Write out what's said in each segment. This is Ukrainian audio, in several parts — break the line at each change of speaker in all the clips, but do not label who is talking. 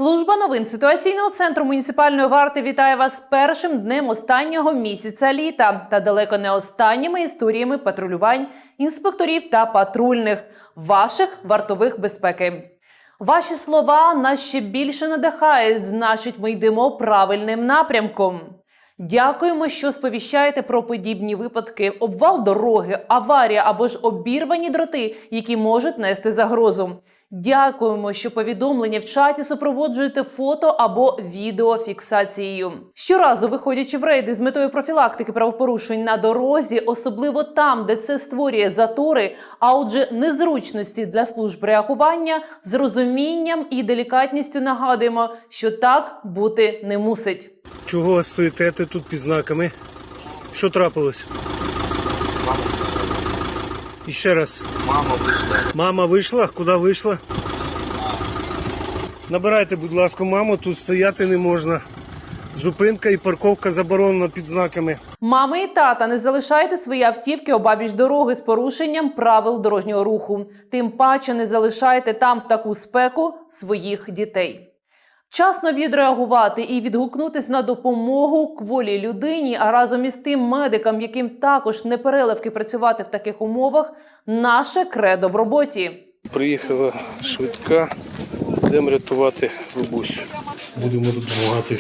Служба новин ситуаційного центру муніципальної варти вітає вас з першим днем останнього місяця літа та далеко не останніми історіями патрулювань інспекторів та патрульних, ваших вартових безпеки. Ваші слова нас ще більше надихають, значить ми йдемо правильним напрямком. Дякуємо, що сповіщаєте про подібні випадки, обвал дороги, аварія або ж обірвані дроти, які можуть нести загрозу. Дякуємо, що повідомлення в чаті супроводжуєте фото або відеофіксацією. Щоразу, виходячи в рейди з метою профілактики правопорушень на дорозі, особливо там, де це створює затори, а отже незручності для служб реагування, з розумінням і делікатністю нагадуємо, що так бути не мусить.
Чого стоїте тут під знаками? Що трапилось? І ще раз.
Мама вийшла.
Мама вийшла? Куди вийшла? Набирайте, будь ласка, маму, тут стояти не можна. Зупинка і парковка заборонена під знаками.
Мами і тата, не залишайте свої автівки обабіч дороги з порушенням правил дорожнього руху. Тим паче не залишайте там в таку спеку своїх дітей. Вчасно відреагувати і відгукнутись на допомогу кволій людині, а разом із тим медикам, яким також не переливки працювати в таких умовах – наше кредо в роботі.
Приїхала швидка, будемо рятувати бабусю. Будемо допомагати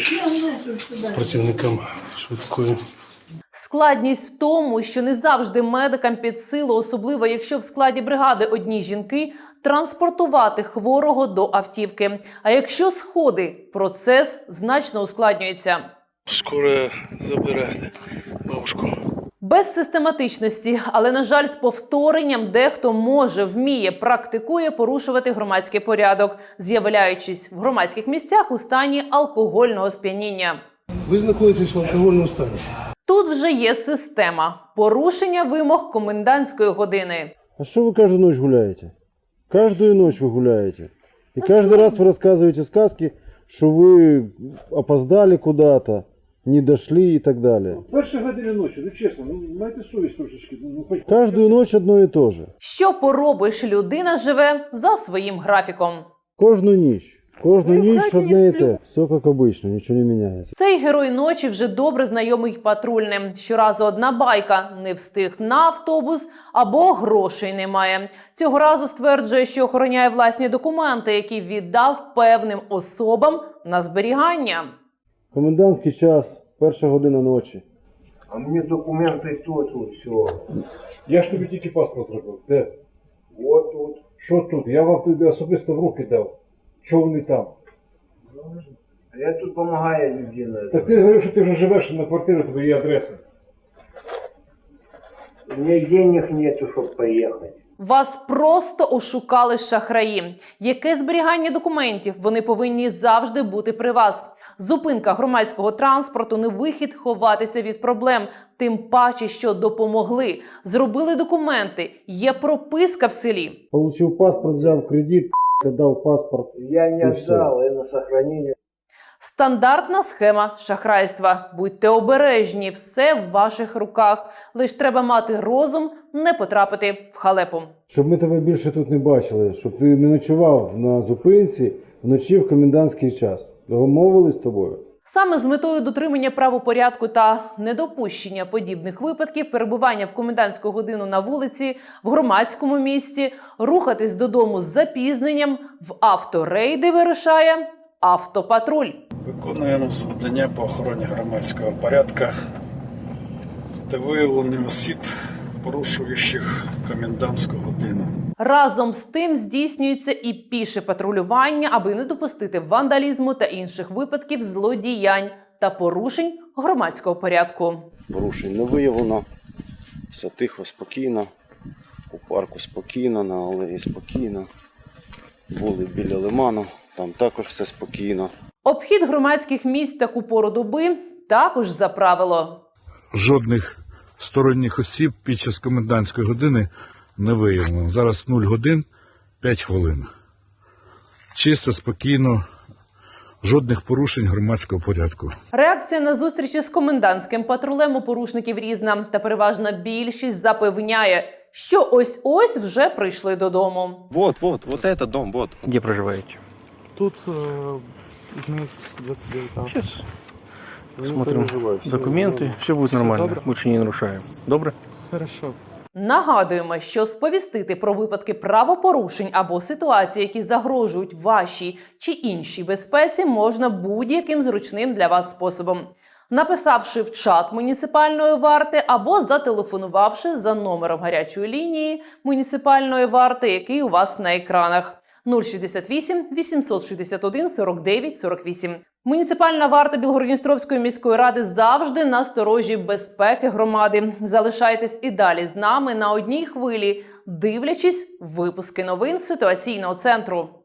працівникам швидкої.
Складність в тому, що не завжди медикам під силу, особливо якщо в складі бригади одні жінки, транспортувати хворого до автівки. А якщо сходи, процес значно ускладнюється.
Скоро забере бабушку.
Без систематичності, але, на жаль, з повторенням дехто може, вміє, практикує порушувати громадський порядок, з'являючись в громадських місцях у стані алкогольного сп'яніння.
Ви знаходитесь в алкогольному стані.
Тут вже є система – порушення вимог комендантської години.
А что вы каждую ночь гуляете? Каждую ночь вы гуляете. И каждый раз вы рассказываете сказки, что вы опоздали куда-то, не дошли и так далее.
Перші години ночі, ну чесно, майте совість трошечки.
Каждую ночь одно и то же.
Що поробиш, людина живе за своїм графіком.
Кожну ніч. Кожну ніч одне і те. Все як обично, нічого не міняється.
Цей герой ночі вже добре знайомий патрульним. Щоразу одна байка – не встиг на автобус або грошей немає. Цього разу стверджує, що охороняє власні документи, які віддав певним особам на зберігання.
Комендантський час, 1:00 ночі.
А мені документи тут, все.
Я ж тобі тільки паспорт зробив. Де?
Вот тут.
Що тут? Я вам тобі особисто в руки дав. Чого вони там?
А я тут допомагаю людині.
Так ти говорив, що ти вже живеш на квартирі, тобі є адреса.
У мене денег нету, щоб поїхати.
Вас просто ошукали шахраї. Яке зберігання документів? Вони повинні завжди бути при вас. Зупинка громадського транспорту – не вихід ховатися від проблем. Тим паче, що допомогли. Зробили документи. Є прописка в селі.
Получив паспорт, взяв кредит, дав паспорт.
Я не
І все.
віддав, я на сохранення.
Стандартна схема шахрайства. Будьте обережні, все в ваших руках. Лиш треба мати розум, не потрапити в халепу.
Щоб ми тебе більше тут не бачили, щоб ти не ночував на зупинці вночі в комендантський час. Домовились з тобою?
Саме з метою дотримання правопорядку та недопущення подібних випадків перебування в комендантську годину на вулиці, в громадському місці, рухатись додому з запізненням, в авторейди вирушає автопатруль.
Виконуємо завдання по охороні громадського порядку та виявленню осіб, порушуючих комендантську годину.
Разом з тим здійснюється і піше патрулювання, аби не допустити вандалізму та інших випадків злодіянь та порушень громадського порядку.
Порушень не виявлено, все тихо, спокійно, у парку спокійно, на алеї спокійно, були біля лиману, там також все спокійно.
Обхід громадських місць таку пору доби також за правило.
Жодних сторонніх осіб під час комендантської години не виявлено. Зараз 0 годин 5 хвилин. Чисто, спокійно, жодних порушень громадського порядку.
Реакція на зустрічі з комендантським патрулем у порушників різна. Та переважна більшість запевняє, що ось-ось вже прийшли додому.
Вот этот дом, вот.
Где проживаете?
Тут
изменить 29
Сейчас
Не
смотрим
переживай, всё
документы,
нормально.
все будет
Всё
нормально,
добро?
больше не нарушаем. Добре?
Хорошо.
Нагадуємо, що сповістити про випадки правопорушень або ситуації, які загрожують вашій чи іншій безпеці, можна будь-яким зручним для вас способом. Написавши в чат муніципальної варти або зателефонувавши за номером гарячої лінії муніципальної варти, який у вас на екранах. 068 861 49 48. Муніципальна варта Білгород-Дністровської міської ради завжди на сторожі безпеки громади. Залишайтесь і далі з нами на одній хвилі, дивлячись випуски новин ситуаційного центру.